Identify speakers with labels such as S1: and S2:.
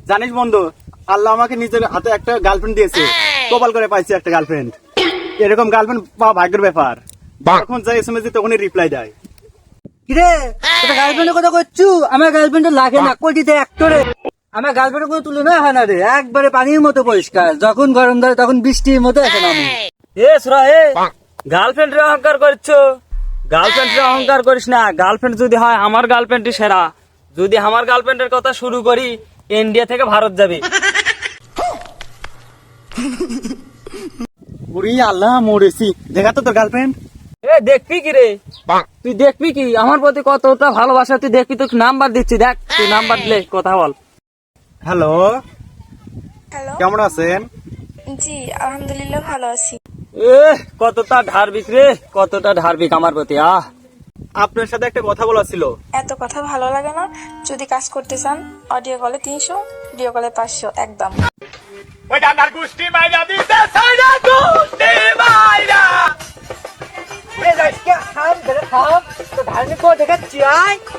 S1: জানিস বন্ধু, আল্লাহ আমাকে নিজের হাতে একটা গার্লফ্রেন্ড দিয়েছে। কপাল করে পাইছি একটা গার্লফ্রেন্ড। এরকম গার্লফ্রেন্ড পাওয়া ভাগ্যের ব্যাপার। যখন যাই এসএমএস দিই তখনই রিপ্লাই দেয়।
S2: কিরে তোর গার্লফ্রেন্ডের কথা করছু? আমার গার্লফ্রেন্ড লাগে না, কোটিতে একটরে আমার গার্লফ্রেন্ডের কোনো তুলনা হয় না রে। একবারে পানির মতো পরিষ্কার, যখন গরম ধরে তখন বৃষ্টির মতো এখন আমি।
S3: এ সুরা এ গার্লফ্রেন্ড রে অহংকার করছো। গার্লফ্রেন্ড রে অহংকার করিস না। গার্লফ্রেন্ড যদি হয় আমার গার্লফ্রেন্ডই সেরা। যদি আমার গার্লফ্রেন্ডের কথা শুরু করি, ইন্ডিয়া থেকে ভারত যাবে।
S1: ওরে আল্লাহ, মরেছি। দেখা তো তোর গার্লফ্রেন্ড।
S3: এ দেখবি কি রে? তুই দেখবি কি? আমার প্রতি কতটা ভালোবাসা তুই দেখবি। তোকে নাম্বার দিচ্ছি, দেখ তুই নাম্বার দিলে কথা বল।
S1: Hello,
S4: hello.
S1: কেমন আছেন?
S4: জি আলহামদুলিল্লাহ ভালো আছি।
S3: এ কতটা ধার্মিক রে, কতটা ধার্মিক আমার প্রতি।
S1: আপনার সাথে একটা কথা বলা ছিল।
S4: এত কথা ভালো লাগে না। যদি কাজ করতে চান অডিও কলে 300, ভিডিও কলে 500 একদম।
S5: ওই ডান্ডার গুষ্টি মাইরা দিতে সাইরা গুষ্টি মাইরা
S2: খাম খাম তো ধার্মিক দেখাচ্ছি আয়।